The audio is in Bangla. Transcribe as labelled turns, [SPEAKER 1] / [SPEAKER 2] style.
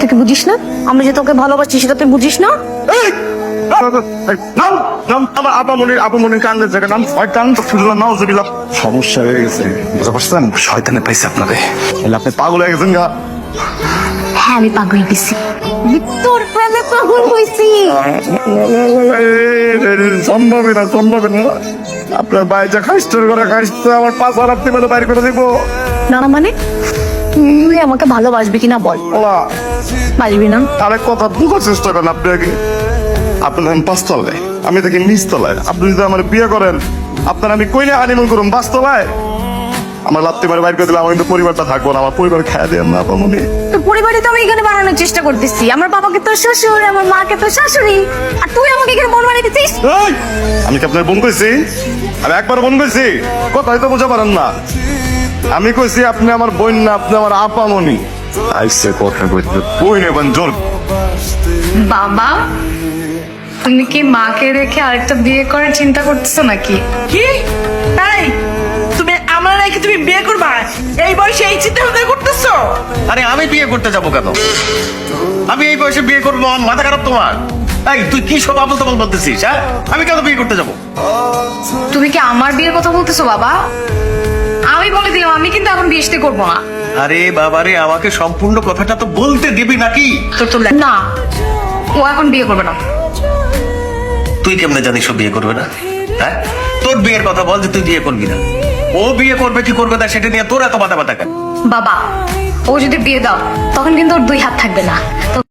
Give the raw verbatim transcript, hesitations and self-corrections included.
[SPEAKER 1] তুই কি বুঝিস না? আমি যে তোকে ভালোবাসি সেটা তুই বুঝিস না?
[SPEAKER 2] এই! নাম নাম আমার আপামনির আপামনির কান্দের জায়গা নাম শয়তান তো শুধু নাও জবিলা সমস্যা হয়ে গেছে বুঝতে পারছেন শয়তানে পাইছে আপনারে তাহলে আপনি পাগল হয়ে গেছেন গা
[SPEAKER 1] হ্যাঁ আমি পাগল হইছি। তোর প্রেমে পাগল হইছি।
[SPEAKER 2] সম্ভবই না সম্ভবই না আপনার বাইজা খাইস্টোর করে খাইস্তো আমার পাঁচ হাজার আপনি মানে বাইরে করে দিব
[SPEAKER 1] না না মানে তুই আমাকে ভালোবাসবি কিনা বল।
[SPEAKER 2] ওলা
[SPEAKER 1] বাসবি না?
[SPEAKER 2] আরেক কথা বুঝার চেষ্টা করেন আপনি আগে আপনার আমি পাঁচতলায় আমি থাকি নিচতলায় আপনি যদি আমার বিয়ে করেন আপনার আমি কইলে হানিমুন করুন পাঁচতলায় আমার লাত্তি মারে বাইর করে দিলে আমার কিন্তু পরিবারটা থাকবো না আমার পরিবার খাইয়া দেন না আপামনি
[SPEAKER 1] তোর পরিবারে তো আমি এখানে বানানোর চেষ্টা করতেছি। আমার বাবাকে তোর শ্বশুর, আমার মাকে তোর শাশুড়ি, আর তুই আমাকে এখানে বোন বানিয়ে দিচ্ছিস।
[SPEAKER 2] এই! আমি কি আপনার বোন কইছি আমি একবার বোন কইছি কথা হয়তো বোঝা পারেন না আমি কইছি আপনি আমার বোন না আপনি আমার আপামনি আইসে কথা কইতে বই নেবেন জোর
[SPEAKER 3] বাবা, তুমি কি মাকে রেখে আরেকটা বিয়ে করার চিন্তা করতেছো নাকি?
[SPEAKER 4] কি তাই তুমি আমার রেখে তুমি বিয়ে করবা এই বয়সে এই চিন্তা ভাবনা করতেছো?
[SPEAKER 5] আরে আমি বিয়ে করতে যাবো কেন? আমি এই বয়সে বিয়ে করবো আমার মাথা খারাপ তোমার? এই তুই কি সব আবল তাবল বলতেছিস? হ্যাঁ আমি কেন বিয়ে করতে যাবো?
[SPEAKER 3] তুমি কি আমার বিয়ের কথা বলতেছো বাবা? আমি বলে দিলাম আমি কিন্তু এখন বিয়ে শাদী করবো না।
[SPEAKER 5] আরে বাবারে আমাকে সম্পূর্ণ কথাটা তো বলতে দিবি নাকি?
[SPEAKER 3] তোর তো না, ও এখন বিয়ে করবে না।
[SPEAKER 5] তুই কেমনে জানিস ও বিয়ে করবে না? হ্যাঁ তোর বিয়ের কথা বল যে তুই বিয়ে করবি না। ও বিয়ে করবে কি করবে না সেটা নিয়ে তোর এত মাথা ব্যথা কেন?
[SPEAKER 3] বাবা, ও যদি বিয়ে দাও তখন কিন্তু ওর দুই হাত থাকবে না। তো